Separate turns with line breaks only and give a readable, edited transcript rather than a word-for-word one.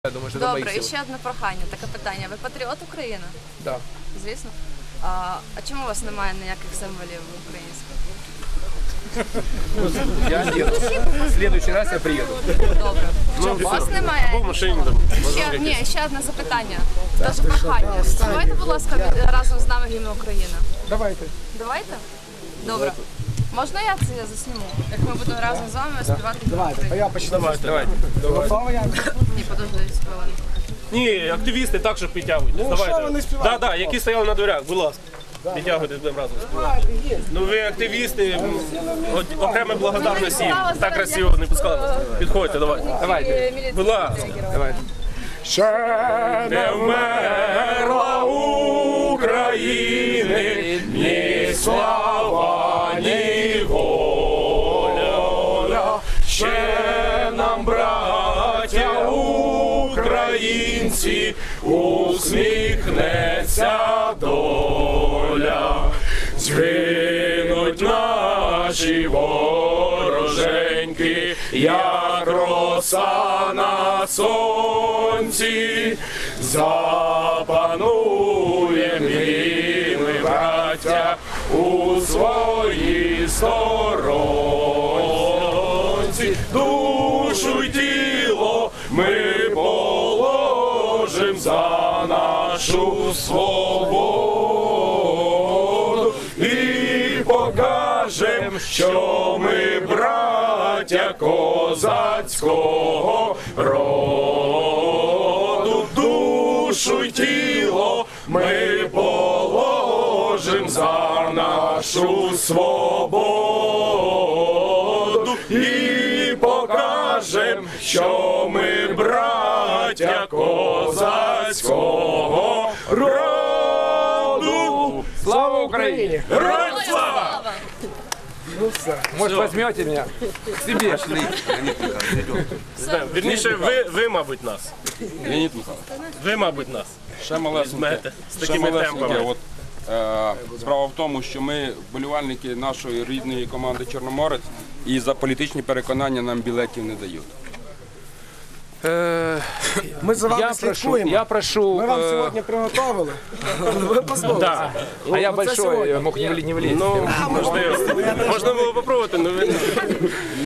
Я думаю, що
Добре, і ще одне прохання, таке питання. Ви патріот України?
Так.
Звісно. А чому у вас немає ніяких символів українських?
Я нет. В следующий раз я приеду.
Добре. У вас немає?
Або в машині там.
Ще одне запитання. Теж прохання. Співайте, будь ласка, разом з нами гімн України.
Давайте.
Давайте? Добре. Можна я це засніму? Як ми будемо разом з вами співати гімн України?
Я почну. Давайте.
Ні, подождіть хвилину.
Ні, активісти так, щоб підтягують.
Ну, що вони співають?
Так, які стояли на дверях, будь ласка. Підтягуйтесь, будемо разом співати. Ну ви активісти, окрема благодарність їм. Так красиво не пускали. Підходьте, давайте.
Давайте.
Будь ласка.
Давайте.
Ще не вмерла України, ні слава, ні воля. Ще нам, браття українці, усміхнеться доля. Згинуть наші вороженьки, як роса на сонці. Запануєм і ми, браття, у своїй сторонці. Душу й тіло ми положим за нашу свободу і покажем, що ми браття козацького роду. Душу й тіло ми положим за нашу свободу і покажем, що ми браття козацького роду.
Слава Україні!
Героям слава!
Может, возьмете меня к себе?
Вірніше, ви, мабуть, нас.
Леонід Михайлович,
Ви, мабуть, нас.
ще малесеньке.
Візьмете з
Ще
такими
малесеньке.
темпами.
Справа в тому, що ми вболівальники нашої рідної команди «Чорноморець» і за політичні переконання нам білетів не дають.
Ми за вами слідкуємо.
Я прошу...
Ми вам сьогодні приготовили. Ви послухайте.
Так.
А я
це
большой,
сьогодні.
мог не влезть.
Ну, можливо. Можна було попробувати, але ви